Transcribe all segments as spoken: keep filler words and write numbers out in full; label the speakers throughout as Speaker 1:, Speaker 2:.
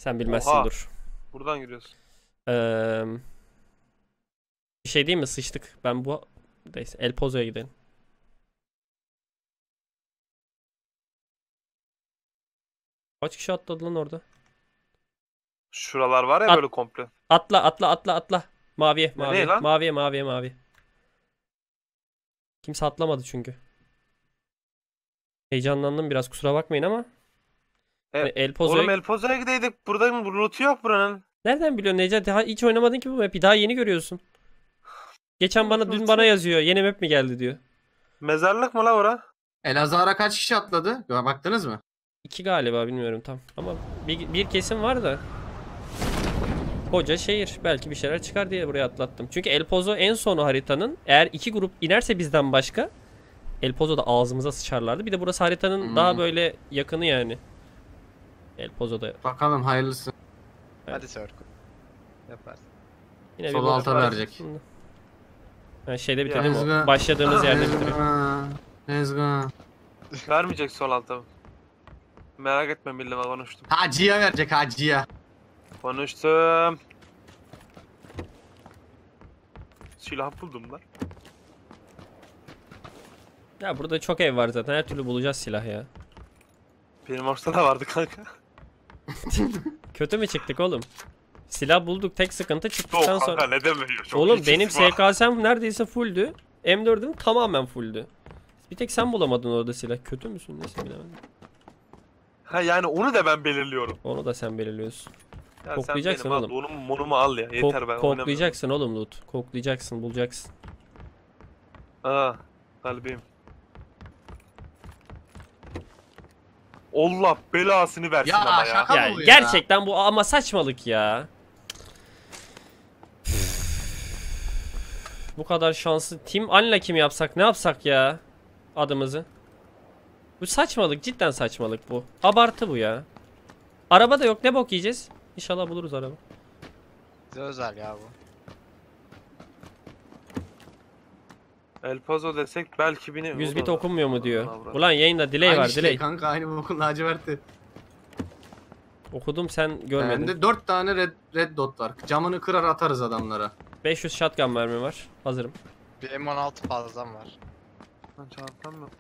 Speaker 1: Sen bilmezsin
Speaker 2: Oha.
Speaker 1: dur.
Speaker 2: Buradan giriyorsun.
Speaker 1: Ee, bir şey değil mi? Sıçtık. Ben bu... Neyse El Pozo'ya gidelim. Kaç kişi atladı lan orada?
Speaker 2: Şuralar var ya
Speaker 1: At-
Speaker 2: böyle komple.
Speaker 1: Atla atla atla atla. Maviye
Speaker 2: Nereye
Speaker 1: maviye.
Speaker 2: lan?
Speaker 1: Maviye maviye maviye. Kimse atlamadı çünkü. Heyecanlandım biraz, kusura bakmayın ama.
Speaker 2: E,
Speaker 1: Hani El Pozo'ya...
Speaker 2: Oğlum El Pozo'ya gideydik. Burada mı? Loot'u yok buranın.
Speaker 1: Nereden biliyorsun Necati? Daha hiç oynamadın ki bu map'i. Daha yeni görüyorsun. Geçen bana dün bana yazıyor. Yeni map mi geldi diyor.
Speaker 2: Mezarlık mı la ora?
Speaker 3: Elazığ'a kaç kişi atladı? Baktınız mı?
Speaker 1: İki galiba, bilmiyorum tam. Ama bir, bir kesim var da. Koca şehir. Belki bir şeyler çıkar diye buraya atlattım. Çünkü El Pozo en sonu haritanın. Eğer iki grup inerse bizden başka, El Pozo'da ağzımıza sıçarlardı. Bir de burası haritanın
Speaker 3: Hmm.
Speaker 1: daha böyle yakını yani. El Pozo'da.
Speaker 3: Bakalım hayırlısı.
Speaker 4: Hadi Circle. Yaparsın.
Speaker 1: Yine
Speaker 3: Sol
Speaker 1: bir bok
Speaker 3: alta
Speaker 1: var.
Speaker 3: verecek.
Speaker 1: Ben şeyde bitirelim
Speaker 3: Let's
Speaker 1: o.
Speaker 3: go.
Speaker 1: Başladığımız yerde
Speaker 3: Let's
Speaker 1: bitirelim.
Speaker 3: go. Let's go.
Speaker 2: Vermeyecek sol alta. Merak etme milli konuştum.
Speaker 3: Hacıya verecek hacıya.
Speaker 2: Konuştum. Silah buldum lan.
Speaker 1: Ya burada çok ev var zaten. Her türlü bulacağız silah ya.
Speaker 2: Benim ortada da vardı kanka.
Speaker 1: Kötü mü çıktık oğlum? Silah bulduk, tek sıkıntı
Speaker 2: Yok
Speaker 1: çıktıktan
Speaker 2: kanka
Speaker 1: sonra.
Speaker 2: ne demiyor. Çok
Speaker 1: Oğlum
Speaker 2: iyi
Speaker 1: benim
Speaker 2: çıktı bak.
Speaker 1: S K S'm neredeyse fulldü. M dördüm tamamen fulldü. Bir tek sen bulamadın orada silah. Kötü müsün? Neyse bilemedim.
Speaker 2: Ha yani onu da ben belirliyorum.
Speaker 1: Onu da sen belirliyorsun.
Speaker 2: Ya
Speaker 1: Koklayacaksın
Speaker 2: sen benim
Speaker 1: oğlum.
Speaker 2: al, Onu, monumu al ya. Yeter
Speaker 1: Kok-
Speaker 2: ben oynamıyorum.
Speaker 1: koklayacaksın oğlum loot. Koklayacaksın, bulacaksın.
Speaker 2: Aa kalbim. Allah belasını versin
Speaker 3: Ya,
Speaker 2: ama ya.
Speaker 3: şaka-
Speaker 1: Ya
Speaker 3: bu ya?
Speaker 1: gerçekten bu ama saçmalık ya. Bu kadar şanslı. Team Unlucky mi yapsak, ne yapsak ya? Adımızı. Bu saçmalık, cidden saçmalık bu. Abartı bu ya. Araba da yok, ne bok yiyeceğiz? İnşallah buluruz araba.
Speaker 4: Bize özel ya bu.
Speaker 2: El Paso desek belki bini...
Speaker 1: yüz
Speaker 2: O
Speaker 1: bit
Speaker 2: da-
Speaker 1: okunmuyor mu diyor.
Speaker 2: Allah Allah.
Speaker 1: Ulan yayında delay
Speaker 3: Aynı
Speaker 1: var,
Speaker 3: şey
Speaker 1: delay.
Speaker 3: kanka, aynı bokun laciverti.
Speaker 1: Okudum, sen görmedin.
Speaker 3: Bende dört tane red, red dot var. Camını kırar atarız adamlara.
Speaker 1: beş yüz shotgun mermi var. Hazırım.
Speaker 4: Bir M on altı fazlam var.
Speaker 2: Lan çantam mı?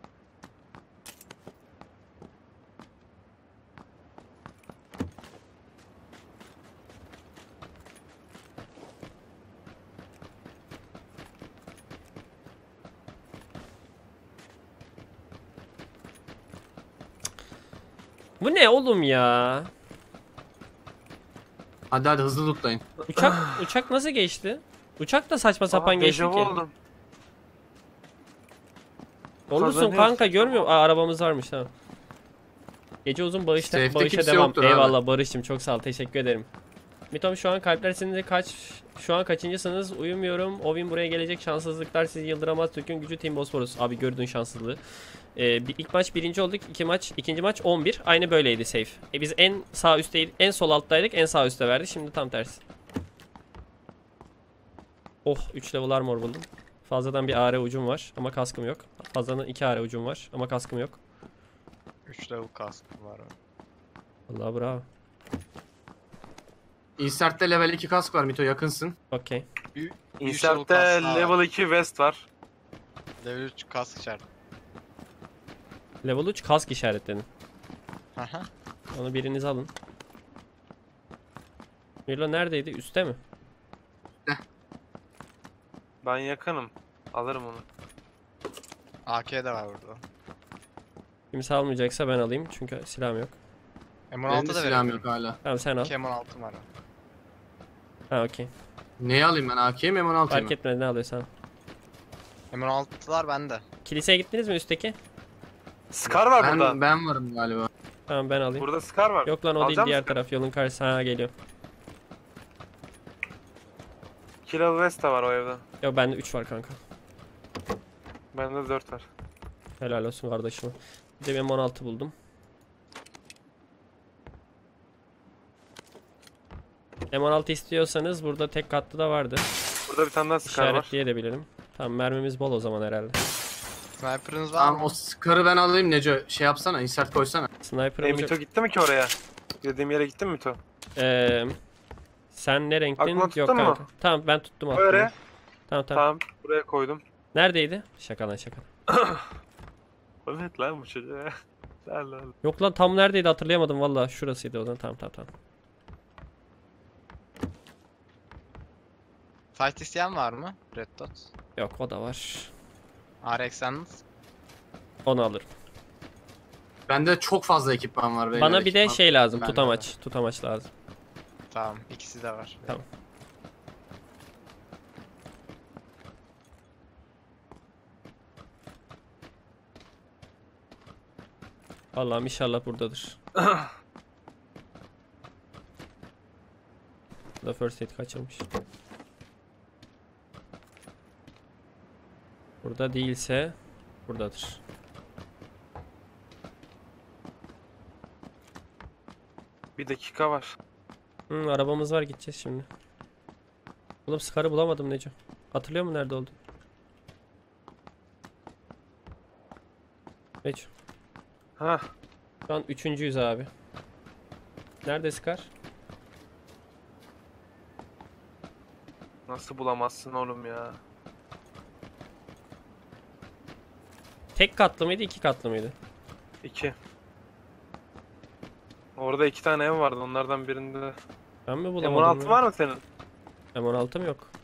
Speaker 1: Bu ne oğlum ya?
Speaker 3: Hadi hadi hızlı lootlayın.
Speaker 1: Uçak uçak nasıl geçti? Uçak da saçma sapan
Speaker 2: Aa,
Speaker 1: geçti
Speaker 2: dejavu
Speaker 1: ki.
Speaker 2: oldum.
Speaker 1: Olursun
Speaker 2: Kazanıyoruz.
Speaker 1: kanka, görmüyor. Aa, arabamız varmış, tamam. Gece uzun bağışta,
Speaker 3: Safe'de
Speaker 1: bağışa
Speaker 3: kimse
Speaker 1: devam.
Speaker 3: yoktur abi.
Speaker 1: Eyvallah Barış'cığım, çok sağ ol, teşekkür ederim. Mitom şu an kalpler seninle kaç şu an kaçıncısınız? Uyumuyorum. Ovin buraya gelecek, şanssızlıklar sizi yıldıramaz. Türk'ün gücü Team Bosporus. Abi gördün şanssızlığı. Ee, bir, ilk maç birinci olduk. İki maç, ikinci maç on bir. Aynı böyleydi safe. E, biz en sağ üstteydik, en sol alttaydık. En sağ üstte verdi. Şimdi tam tersi. Oh, üç level armor buldum. Fazladan bir A R ucum var ama kaskım yok. Fazladan iki A R ucum var ama kaskım yok.
Speaker 4: üç level kaskım var.
Speaker 1: Allah bravo.
Speaker 3: Insert'te level iki kask var Mito, yakınsın.
Speaker 1: Okey.
Speaker 2: Insert'te level iki vest var.
Speaker 4: Level üç kask işareti.
Speaker 1: Level üç kask işaretledim.
Speaker 4: Haha.
Speaker 1: Onu biriniz alın. Milo neredeydi? Üste mi?
Speaker 2: Ben yakınım. Alırım onu.
Speaker 4: A K de var burada.
Speaker 1: Kimse almayacaksa ben alayım çünkü silahım yok.
Speaker 4: M on
Speaker 3: Benim
Speaker 4: altı
Speaker 3: de
Speaker 4: da
Speaker 3: silahım
Speaker 4: verebilirim.
Speaker 3: yok hala.
Speaker 1: Tamam sen al.
Speaker 4: iki M on altı var.
Speaker 1: Ha okey.
Speaker 3: Neyi alayım ben? A K'yi mi M on altıyı mı?
Speaker 1: Fark etmedi, ne alıyorsan.
Speaker 4: M on altılar bende.
Speaker 1: Kiliseye gittiniz mi üstteki?
Speaker 2: Scar var burada.
Speaker 3: Ben, ben varım galiba.
Speaker 1: Tamam ben alayım.
Speaker 2: Burada Scar var.
Speaker 1: Yok lan o
Speaker 2: Alacak
Speaker 1: değil, diğer
Speaker 2: mısın?
Speaker 1: taraf yolun karşısına. Ha geliyor.
Speaker 2: iki level vest de var o evde.
Speaker 1: Yok bende üç var kanka.
Speaker 2: Bende dört var.
Speaker 1: Helal olsun kardeşim. Bir de M on altı buldum. M on altı istiyorsanız burada tek katlı da vardı.
Speaker 2: Burada bir tane daha Scar var.
Speaker 1: İşaretleyebilirim. Tamam mermimiz bol o zaman herhalde.
Speaker 4: Sniper'ınız var
Speaker 3: Tamam
Speaker 4: mı?
Speaker 3: o skarı ben alayım Neco. Şey yapsana, insert koysana.
Speaker 1: Sniper
Speaker 2: E
Speaker 1: olacak.
Speaker 2: Mito gitti mi ki oraya? Dediğim yere gitti mi Mito?
Speaker 1: Ee, sen ne renktin?
Speaker 2: Aklına
Speaker 1: Yok
Speaker 2: tuttun mu?
Speaker 1: kanka. Tamam ben tuttum aklımı.
Speaker 2: Öyle.
Speaker 1: Tamam tamam.
Speaker 2: Tamam. Buraya koydum.
Speaker 1: Neredeydi? Şaka lan şaka.
Speaker 2: Evet lan bu çocuğa. Lan lan.
Speaker 1: Yok lan tam neredeydi hatırlayamadım valla. Şurasıydı o zaman. Tamam tamam tamam.
Speaker 4: Fight isteyen var mı? Red Dot.
Speaker 1: Yok o da var.
Speaker 4: R X Sandals.
Speaker 1: Onu alırım.
Speaker 3: Bende çok fazla ekipman var. beyler,
Speaker 1: Bana bir de
Speaker 3: ekipman.
Speaker 1: şey lazım.
Speaker 4: Bende
Speaker 1: Tutamaç. Tutamaç lazım.
Speaker 4: Tamam, ikisi de var.
Speaker 1: Tamam. Allah'ım inşallah buradadır. Da first aid kaçırmış. Burada değilse buradadır.
Speaker 2: Bir dakika var.
Speaker 1: Hı, arabamız var gideceğiz şimdi. Oğlum Scar'ı bulamadım Neco. Hatırlıyor musun nerede oldu? Neco.
Speaker 2: Ha.
Speaker 1: Şu an üçüncüyüz abi. Nerede Scar?
Speaker 2: Nasıl bulamazsın oğlum ya?
Speaker 1: Tek katlı mıydı iki katlı mıydı?
Speaker 2: İki. Orada iki tane ev vardı. Onlardan birinde.
Speaker 1: Ben mi
Speaker 2: M on
Speaker 1: bulamadım
Speaker 2: altı
Speaker 1: ya?
Speaker 2: var mı senin?
Speaker 1: M on altı mı yok?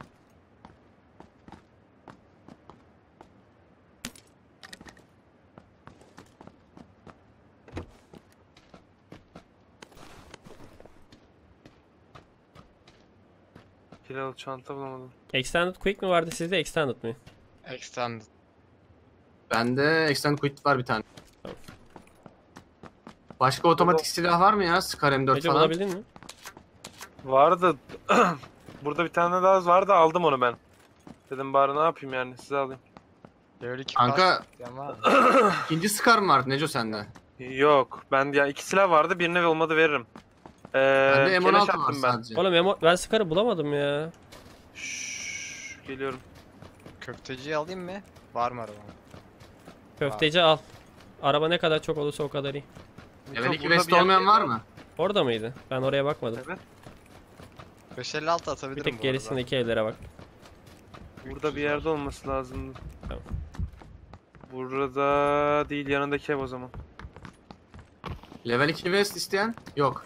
Speaker 2: Kiralı çanta bulamadım.
Speaker 1: Extended Quick mi vardı sizde Extended mi?
Speaker 4: Extended.
Speaker 3: Bende Extend Quit var bir tane.
Speaker 1: Tamam.
Speaker 3: Başka otomatik silah var mı ya? Scar M dört
Speaker 1: Neco
Speaker 3: falan.
Speaker 1: bulabildin mi?
Speaker 2: Vardı. Burada bir tane daha vardı. Aldım onu ben. Dedim bari ne yapayım yani. Size alayım.
Speaker 4: Level iki
Speaker 3: Kanka-
Speaker 4: kask isteyen var mı?
Speaker 3: İkinci Scar mı var Neco sende?
Speaker 2: Yok. Ben ya iki silah vardı. Birine olmadı veririm. Ee,
Speaker 3: Bende M on
Speaker 2: keleş
Speaker 3: altı var
Speaker 2: attım ben.
Speaker 3: sadece.
Speaker 1: Oğlum emo- ben Scar'ı bulamadım ya.
Speaker 2: Şşş, geliyorum.
Speaker 4: Köfteciyi alayım mı? Var mı arabam?
Speaker 1: Köfteci al. Araba ne kadar çok olursa o kadar iyi.
Speaker 3: Level iki
Speaker 2: Burada
Speaker 3: vest
Speaker 2: bir yer-
Speaker 3: olmayan var mı?
Speaker 1: Orada mıydı? Ben oraya bakmadım.
Speaker 2: Evet.
Speaker 4: beş elli altı
Speaker 1: Bir
Speaker 4: atabilirim
Speaker 1: tek
Speaker 4: bu arada.
Speaker 1: gerisindeki evlere bak.
Speaker 2: Burada bir yerde olması lazım.
Speaker 1: Tamam.
Speaker 2: Burada değil, yanındaki ev o zaman.
Speaker 3: Level iki vest isteyen? Yok.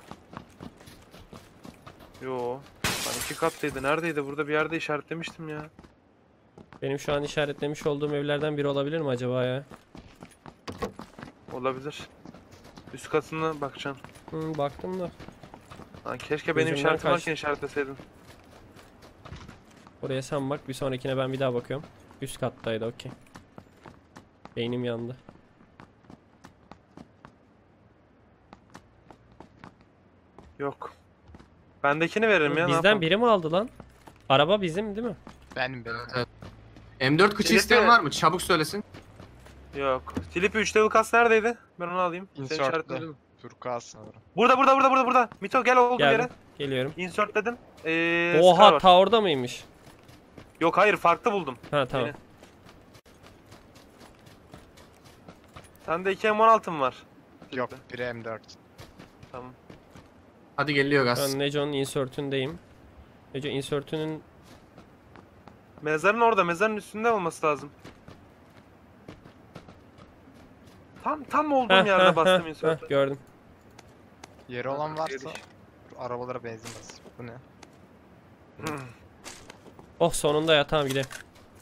Speaker 2: Yo. Ben iki katlıydı. Neredeydi? Burada bir yerde işaretlemiştim ya.
Speaker 1: Benim şu an işaretlemiş olduğum evlerden biri olabilir mi acaba ya?
Speaker 2: Olabilir. Üst katına bakacaksın.
Speaker 1: Hı, baktım da.
Speaker 2: Lan keşke benim
Speaker 1: Gözümden
Speaker 2: işaretim
Speaker 1: kaçtı.
Speaker 2: varken işaretleseydin.
Speaker 1: Oraya sen bak. Bir sonrakine ben bir daha bakıyorum. Üst kattaydı okey. Beynim yandı.
Speaker 2: Yok. Bendekini veririm ya. ne
Speaker 1: Bizden
Speaker 2: yapalım?
Speaker 1: biri mi aldı lan? Araba bizim değil mi?
Speaker 4: Benim benim.
Speaker 3: Evet. M dört kıçı
Speaker 2: Filipi-
Speaker 3: isteyen var mı? Çabuk söylesin.
Speaker 2: Yok. Filipi üç level kas neredeydi? Ben onu alayım. Seni
Speaker 4: Insert'te.
Speaker 2: işaretledim.
Speaker 4: Turkuaz sanırım.
Speaker 2: Burada burada burada burada burada. Mito gel olduğum
Speaker 1: Geldim.
Speaker 2: yere.
Speaker 1: Geliyorum.
Speaker 2: Insert dedim. Ee, Scar
Speaker 1: Oha
Speaker 2: var.
Speaker 1: ta orada mıymış?
Speaker 2: Yok hayır, farklı buldum.
Speaker 1: Ha tamam.
Speaker 2: Yeni. Sende iki M on altı mı var?
Speaker 4: Yok, biri M dört.
Speaker 2: Tamam.
Speaker 3: Hadi geliyor gaz.
Speaker 1: Ben Neco'nun insert'ündeyim. Neco insert'ünün
Speaker 2: Mezarın orada, mezarın üstünde olması lazım. Tam tam olduğum
Speaker 1: Heh,
Speaker 2: yerde
Speaker 1: heh,
Speaker 2: bastım
Speaker 1: heh,
Speaker 2: insert'e.
Speaker 1: heh, gördüm.
Speaker 4: Yeri olan varsa
Speaker 2: Geliş.
Speaker 4: arabalara benzin bas. Bu ne?
Speaker 1: Oh sonunda ya tamam gidelim.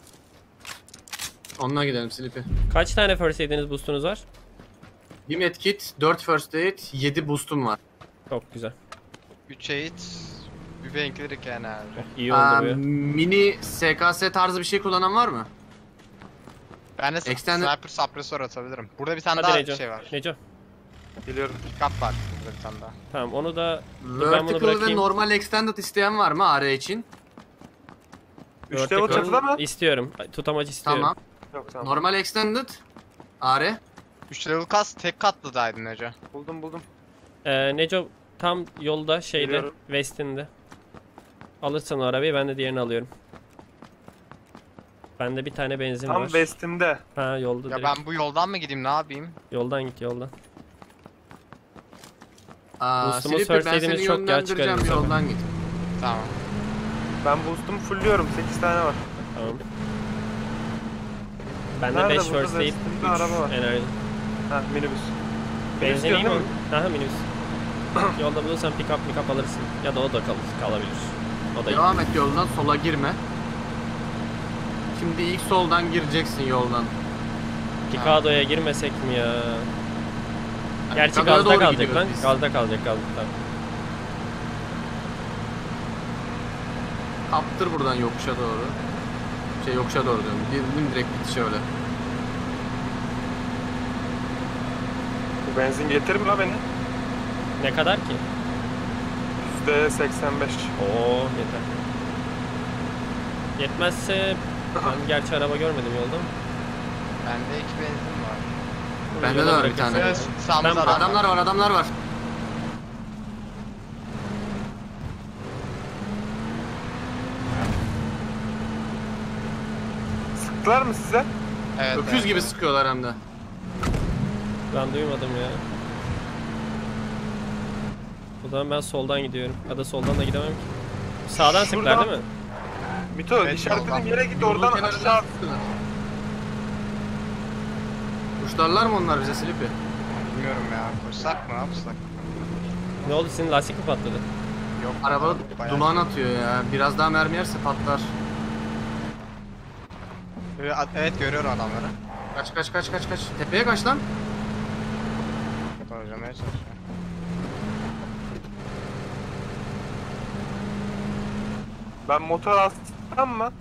Speaker 3: Onunla gidelim Sleepy.
Speaker 1: Kaç tane first aid'iniz boostunuz var?
Speaker 3: Bir medkit, dört first aid, yedi boost'um var.
Speaker 1: Çok güzel.
Speaker 4: üç eğit, bir benklirik yani abi.
Speaker 1: İyi oldu
Speaker 3: Aa,
Speaker 1: bu ya.
Speaker 3: mini S K S tarzı bir şey kullanan var mı?
Speaker 4: Ben de
Speaker 3: Extended-
Speaker 4: sniper suppressor atabilirim. Burada bir tane
Speaker 1: Hadi
Speaker 4: daha
Speaker 1: Neco.
Speaker 4: şey var.
Speaker 1: Neco.
Speaker 2: Geliyorum.
Speaker 4: Pick-up var burada bir tane daha.
Speaker 1: Tamam onu da ben bunu
Speaker 3: Vertical ve
Speaker 1: bırakayım.
Speaker 3: normal extended isteyen var mı A R için?
Speaker 2: üç level
Speaker 1: Vertical
Speaker 2: çatıda mı?
Speaker 1: İstiyorum. Tutamacı istiyorum.
Speaker 3: Tamam.
Speaker 2: Yok tamam.
Speaker 3: Normal extended A R.
Speaker 4: üç level kas tek katlıdaydın Neco.
Speaker 2: Buldum buldum.
Speaker 1: Ee, Neco tam yolda şeyde
Speaker 2: Geliyorum.
Speaker 1: West'inde. Alırsan o arabayı ben de diğerini alıyorum. Bende bir tane benzin
Speaker 2: Tam
Speaker 1: var.
Speaker 2: west'imde.
Speaker 1: Ha yolda
Speaker 4: Ya
Speaker 1: direkt.
Speaker 4: ben bu yoldan mı gideyim ne yapayım?
Speaker 1: Yoldan git yoldan.
Speaker 3: Aa,
Speaker 1: Boost'umu
Speaker 3: Sleepy, ben
Speaker 1: surflade'imiz
Speaker 3: seni
Speaker 1: çok geç
Speaker 3: yönlendireceğim, bir
Speaker 1: çıkarız
Speaker 3: yoldan git.
Speaker 4: Tamam.
Speaker 2: Ben boost'umu fullüyorum. sekiz tane var.
Speaker 1: Tamam. Bende
Speaker 2: Nerede
Speaker 1: beş
Speaker 2: burada?
Speaker 1: first aid,
Speaker 2: Üstünde
Speaker 1: üç
Speaker 2: araba var.
Speaker 1: enerji.
Speaker 2: Ha minibüs.
Speaker 1: Benzin
Speaker 2: diyor
Speaker 1: iyi mi?
Speaker 2: değil mi?
Speaker 1: Aha minibüs. Yolda bulursan pick up pick up alırsın. Ya da o da kalır, kalabilir. O da iyi.
Speaker 3: Devam et yoldan, sola girme. Şimdi ilk soldan gireceksin yoldan.
Speaker 1: Picado'ya girmesek mi ya? Gerçi
Speaker 3: Picado'ya
Speaker 1: gazda
Speaker 3: doğru
Speaker 1: kalacak
Speaker 3: gidiyoruz
Speaker 1: lan.
Speaker 3: biz.
Speaker 1: Gazda kalacak gazda. Tamam.
Speaker 3: Kaptır buradan yokuşa doğru. Şey yokuşa doğru diyorum. Girdim direkt bitiş öyle.
Speaker 2: Bu benzin getirir mi la beni?
Speaker 1: Ne kadar ki?
Speaker 2: yüzde seksen beş.
Speaker 1: Oo yeter. Yetmezse ben gerçi araba görmedim yolda mı?
Speaker 4: Bende iki benzin var.
Speaker 3: Bende de
Speaker 1: Yola
Speaker 3: var bir
Speaker 1: bırakırsın.
Speaker 3: tane.
Speaker 4: Biraz sağımızda
Speaker 1: Ben-
Speaker 4: adam var.
Speaker 3: Adamlar var, adamlar var.
Speaker 2: Sıktılar mı size?
Speaker 4: Evet,
Speaker 3: Öküz
Speaker 4: evet.
Speaker 3: gibi sıkıyorlar hem de.
Speaker 1: Ben duymadım ya. O zaman ben soldan gidiyorum. Ya da soldan da gidemem ki. Sağdan sıktılar
Speaker 2: Şuradan-
Speaker 1: değil mi?
Speaker 2: Mito
Speaker 4: Evet,
Speaker 2: işaretlediğim
Speaker 4: yoldan.
Speaker 2: yere git
Speaker 3: Yolun
Speaker 2: oradan
Speaker 3: kenarından
Speaker 2: aşağı.
Speaker 3: sıktılar. Kuşlarlar mı onlar bize Sleepy?
Speaker 4: Bilmiyorum ya. Koşsak mı? Ne yapsak?
Speaker 1: Ne oldu, senin lastik mi patladı?
Speaker 4: Yok.
Speaker 3: Araba
Speaker 4: bayağı-
Speaker 3: duman atıyor ya. Biraz daha mermi yerse patlar.
Speaker 4: Evet, evet görüyorum adamları.
Speaker 3: Kaç kaç kaç kaç kaç. Tepeye kaç lan.
Speaker 4: Dojlamaya çalışıyorum.
Speaker 2: Ben motor alsam mı?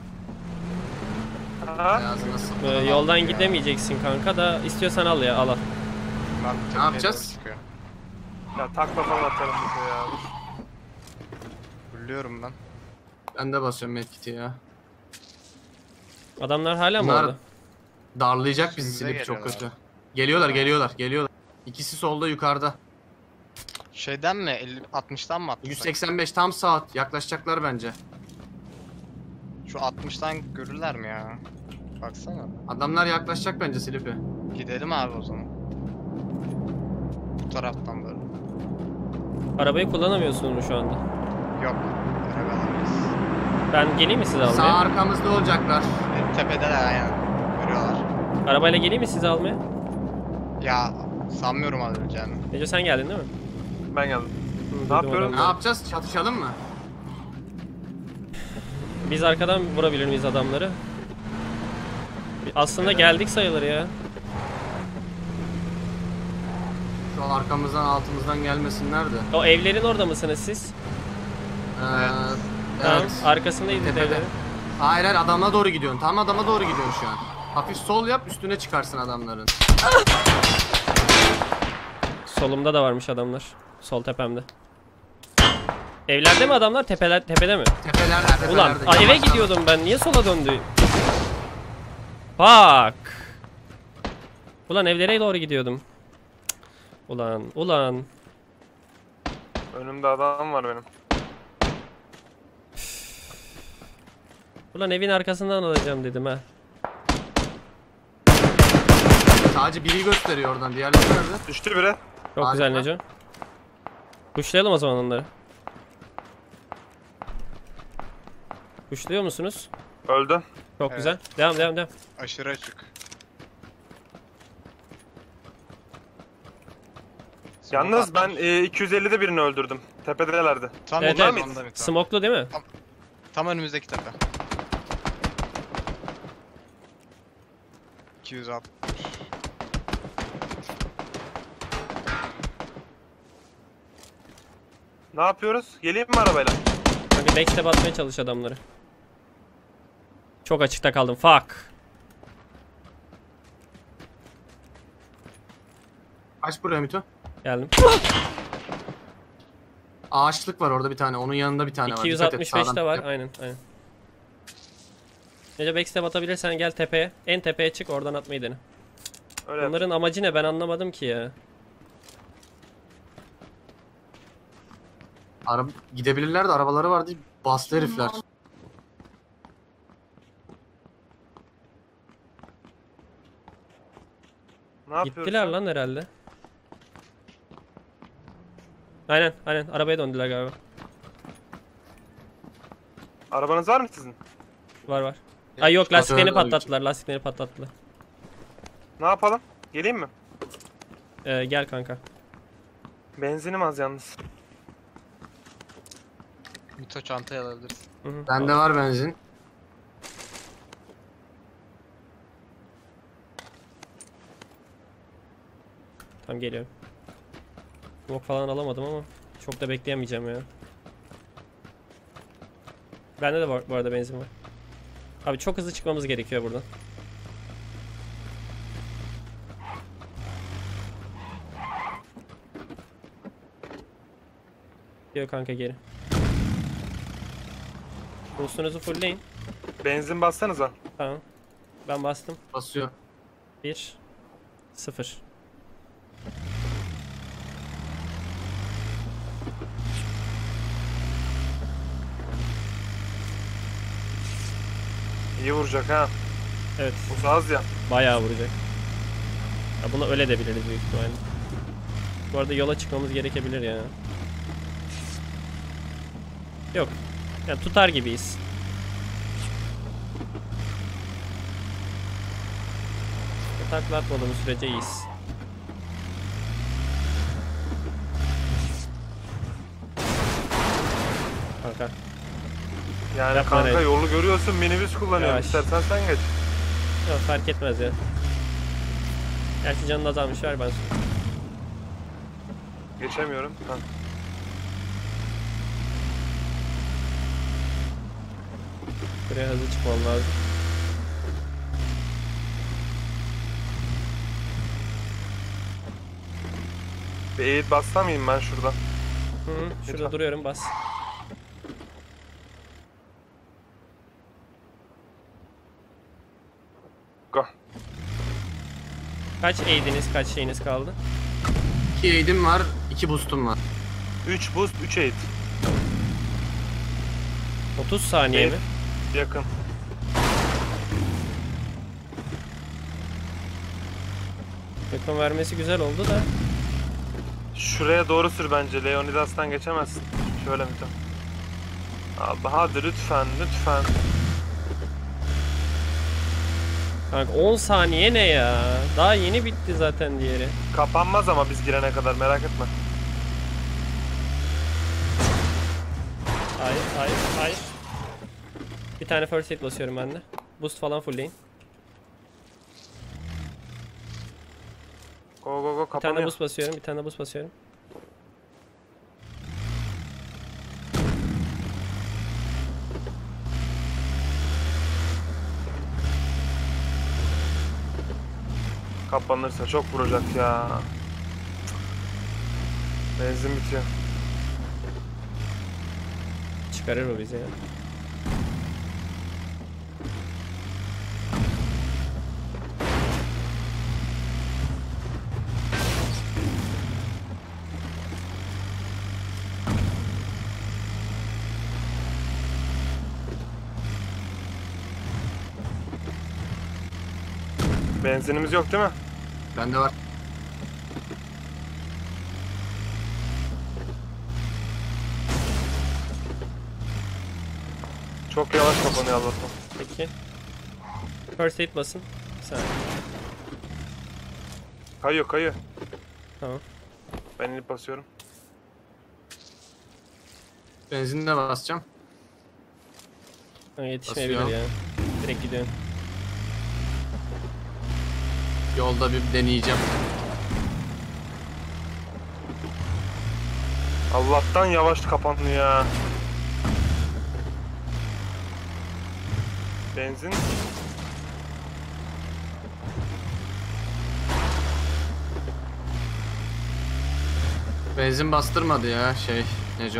Speaker 2: Ha?
Speaker 3: Ağzına sık.
Speaker 1: Ee, yoldan gidemeyeceksin kanka da istiyorsan al ya, al al.
Speaker 4: Bunlar bu tepeye
Speaker 3: yapacağız?
Speaker 4: doğru çıkıyor.
Speaker 2: Ya takla falan atarım bize ya.
Speaker 4: Fulluyorum ben.
Speaker 3: Ben de basıyorum medkit'i ya.
Speaker 1: Adamlar hala mı
Speaker 3: Bunlar
Speaker 1: orada?
Speaker 3: darlayacak bizi
Speaker 4: Üstümüze
Speaker 3: Sleepy çok
Speaker 4: geliyorlar.
Speaker 3: kötü. Geliyorlar geliyorlar geliyorlar. İkisi solda yukarıda.
Speaker 4: Şeyden mi? elli altmıştan mı atlasak?
Speaker 3: yüz seksen beş tam saat. Yaklaşacaklar bence.
Speaker 4: Şu altmıştan görürler mi ya? Baksana.
Speaker 3: Adamlar yaklaşacak bence Sleepy.
Speaker 4: Gidelim abi o zaman. Bu taraftan böyle.
Speaker 1: Arabayı kullanamıyorsunuz şu anda.
Speaker 4: Yok. Göremeyiz.
Speaker 1: Ben geleyim mi sizi
Speaker 3: Sağ
Speaker 1: almaya?
Speaker 3: arkamızda olacaklar.
Speaker 4: E, tepedeler aynen. Görüyorlar.
Speaker 1: Arabayla geleyim mi sizi almaya?
Speaker 4: Ya sanmıyorum alacağını.
Speaker 1: Ece sen geldin değil mi?
Speaker 2: Ben geldim.
Speaker 1: Hı, duydum
Speaker 2: yapıyorum?
Speaker 3: Ne
Speaker 1: adamları.
Speaker 3: yapacağız? Çatışalım mı?
Speaker 1: Biz arkadan vurabilir miyiz adamları? Aslında geldik sayılır ya.
Speaker 3: Şu an arkamızdan altımızdan gelmesinler de.
Speaker 1: O evlerin orada mısınız siz?
Speaker 3: Ee,
Speaker 4: Evet.
Speaker 1: Tamam.
Speaker 3: evet.
Speaker 1: Arkasındayız biz
Speaker 3: Tepede.
Speaker 1: evlerin.
Speaker 3: Hayır hayır adama doğru gidiyorsun. Tam adama doğru gidiyorsun şu an. Hafif sol yap üstüne çıkarsın adamların.
Speaker 1: Solumda da varmış adamlar. Sol tepemde. Evlerde mi adamlar? Tepeler, tepede mi?
Speaker 3: Tepelerde tepelerde.
Speaker 1: Ulan a, eve
Speaker 3: Yavaş
Speaker 1: gidiyordum ben. Niye sola döndü? Bak. Ulan evlere doğru gidiyordum. Cık. Ulan, ulan.
Speaker 2: Önümde adam var benim.
Speaker 1: Ulan evin arkasından alacağım dedim ha.
Speaker 3: yap. Sadece biri gösteriyor oradan. Diğerleri nerede?
Speaker 2: Düştü biri.
Speaker 1: Çok
Speaker 3: Harika.
Speaker 1: güzel Neco. Kuşlayalım o zaman onları. Kuşluyor musunuz?
Speaker 2: Öldü.
Speaker 1: Çok
Speaker 4: Evet.
Speaker 1: güzel. Devam devam devam.
Speaker 4: Aşırı açık.
Speaker 2: Yalnız ben e, iki yüz ellide birini öldürdüm. Tepedelerdi.
Speaker 4: Tam
Speaker 1: Evet,
Speaker 4: onlar
Speaker 1: evet.
Speaker 4: mıydı? Tam,
Speaker 1: Smoklu değil mi?
Speaker 4: tam önümüzdeki tepe. iki yüz altmış.
Speaker 2: Ne yapıyoruz? Geleyim mi arabayla?
Speaker 1: Hadi backstep atmaya çalış adamları. Çok açıkta kaldım. Fuck.
Speaker 3: Kaç buraya Mito?
Speaker 1: Geldim.
Speaker 3: Ağaçlık var orada bir tane. Onun yanında bir tane var.
Speaker 1: iki yüz
Speaker 3: Dikkat et,
Speaker 1: altmış beş
Speaker 3: sağdan
Speaker 1: de var.
Speaker 3: yap.
Speaker 1: Aynen, aynen. Nece backstep atabilirsen gel tepeye. En tepeye çık, oradan atmayı dene.
Speaker 2: Öyle yap.
Speaker 1: Bunların amacı ne, ben anlamadım ki ya.
Speaker 3: Araba gidebilirler de arabaları var diye bastı herifler.
Speaker 2: Ne yapıyoruz?
Speaker 1: Gittiler lan herhalde. Aynen aynen arabaya döndüler galiba.
Speaker 2: Arabanız var mı sizin?
Speaker 1: Var var. Ay yok,
Speaker 3: Şoför
Speaker 1: lastiklerini
Speaker 3: de-
Speaker 1: patlattılar. Lastiklerini patlattılar.
Speaker 2: Ne yapalım? Geleyim mi?
Speaker 1: Ee, gel kanka.
Speaker 2: Benzinim az yalnız.
Speaker 4: Mito çantayı alabiliriz.
Speaker 1: Hı hı.
Speaker 3: Bende var benzin.
Speaker 1: Tamam geliyorum. Smoke falan alamadım ama çok da bekleyemeyeceğim ya. Bende de var, bu arada benzin var. Abi çok hızlı çıkmamız gerekiyor buradan. Geliyor kanka geri. Boost'unuzu fullleyin.
Speaker 2: Benzin bassanıza.
Speaker 1: Tamam. Ben bastım.
Speaker 3: Basıyor.
Speaker 1: bir sıfır.
Speaker 2: İyi vuracak ha.
Speaker 1: Evet.
Speaker 2: Bu az ya.
Speaker 1: Bayağı vuracak. Ya bunu öyle de biliriz büyük ihtimalle. Bu arada yola çıkmamız gerekebilir ya. Yok. Yani tutar gibiyiz. Takla atmadığımız sürece iyiyiz. Kanka.
Speaker 2: Yani
Speaker 1: Yapma
Speaker 2: kanka
Speaker 1: reis.
Speaker 2: yolu görüyorsun, minibüs kullanıyorum.
Speaker 1: Yavaş.
Speaker 2: İstersen sen geç.
Speaker 1: Yok fark etmez ya. Gerçi canın azalmış, ver ben sonra.
Speaker 2: Geçemiyorum. Ha.
Speaker 1: Buraya hızlı çıkmam lazım.
Speaker 2: Bir eğit bassam mıyım ben şurada?
Speaker 1: Hı -hı, şurada
Speaker 2: Lütfen.
Speaker 1: duruyorum, bas.
Speaker 2: Go.
Speaker 1: Kaç aid'iniz, kaç şeyiniz kaldı?
Speaker 3: iki aid'im var, iki boost'um var.
Speaker 2: üç boost, üç eğit.
Speaker 1: otuz saniye
Speaker 2: Evet.
Speaker 1: mi?
Speaker 2: Yakın.
Speaker 1: Yakın vermesi güzel oldu da.
Speaker 2: Şuraya doğru sür bence. Leonidas'tan geçemezsin. Şöyle mi tam? Abi hadi lütfen, lütfen.
Speaker 1: Kanka on saniye ne ya? Daha yeni bitti zaten diğeri.
Speaker 2: Kapanmaz ama biz girene kadar, merak etme.
Speaker 1: Hayır, hayır, hayır. Bir tane first aid basıyorum ben de. Boost falan fullleyin.
Speaker 2: Go go go,
Speaker 1: Bir tane
Speaker 2: kapanıyor.
Speaker 1: boost basıyorum, bir tane boost basıyorum.
Speaker 2: Kapanırsa çok vuracak ya. Benzin bitiyor.
Speaker 1: Çıkarır o bizi ya.
Speaker 2: Benzinimiz yok değil mi?
Speaker 3: Bende var.
Speaker 2: Çok yavaş kapanıyor Allah'tan.
Speaker 1: Peki. First aid basın. Bir saniye.
Speaker 2: Kayıyor kayıyor.
Speaker 1: Tamam.
Speaker 2: Ben inip basıyorum.
Speaker 3: Benzinini de basacağım.
Speaker 1: Ha, yetişmeyebilir
Speaker 3: Basıyor.
Speaker 1: ya. Direkt gidiyorum.
Speaker 3: Yolda bir deneyeceğim.
Speaker 2: Allah'tan yavaş kapanıyor ya. Benzin.
Speaker 3: Benzin bastırmadı ya şey Neco.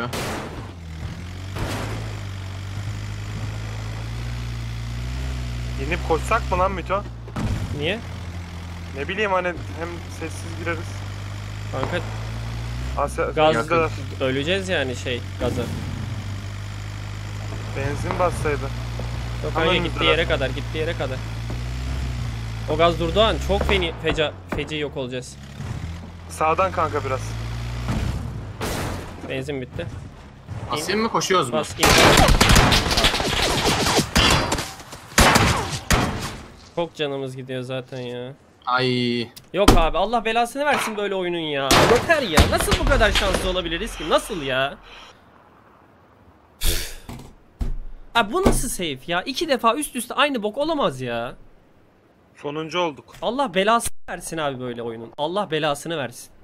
Speaker 2: İnip koşsak mı lan Mito?
Speaker 1: Niye?
Speaker 2: Ne bileyim hani hem sessiz gireriz.
Speaker 1: Kanka
Speaker 2: Asya,
Speaker 1: gaz
Speaker 2: yakın.
Speaker 1: öleceğiz yani şey gaza.
Speaker 2: Benzin bassaydı.
Speaker 1: Yok
Speaker 2: Hemen
Speaker 1: kanka gittiği
Speaker 2: indiler.
Speaker 1: yere kadar, gittiği yere kadar. O gaz durduğu an çok feni, feca, feci yok olacağız.
Speaker 2: Sağdan kanka biraz.
Speaker 1: Benzin bitti.
Speaker 3: Basayım mı koşuyoruz mu?
Speaker 1: Bas in. Çok canımız gidiyor zaten ya.
Speaker 3: Ay.
Speaker 1: Yok abi Allah belasını versin böyle oyunun ya. Yeter ya. Nasıl bu kadar şanslı olabiliriz ki? Nasıl ya? Abi bu nasıl safe ya? İki defa üst üste aynı bok olamaz ya.
Speaker 2: Sonuncu olduk.
Speaker 1: Allah belasını versin abi böyle oyunun. Allah belasını versin.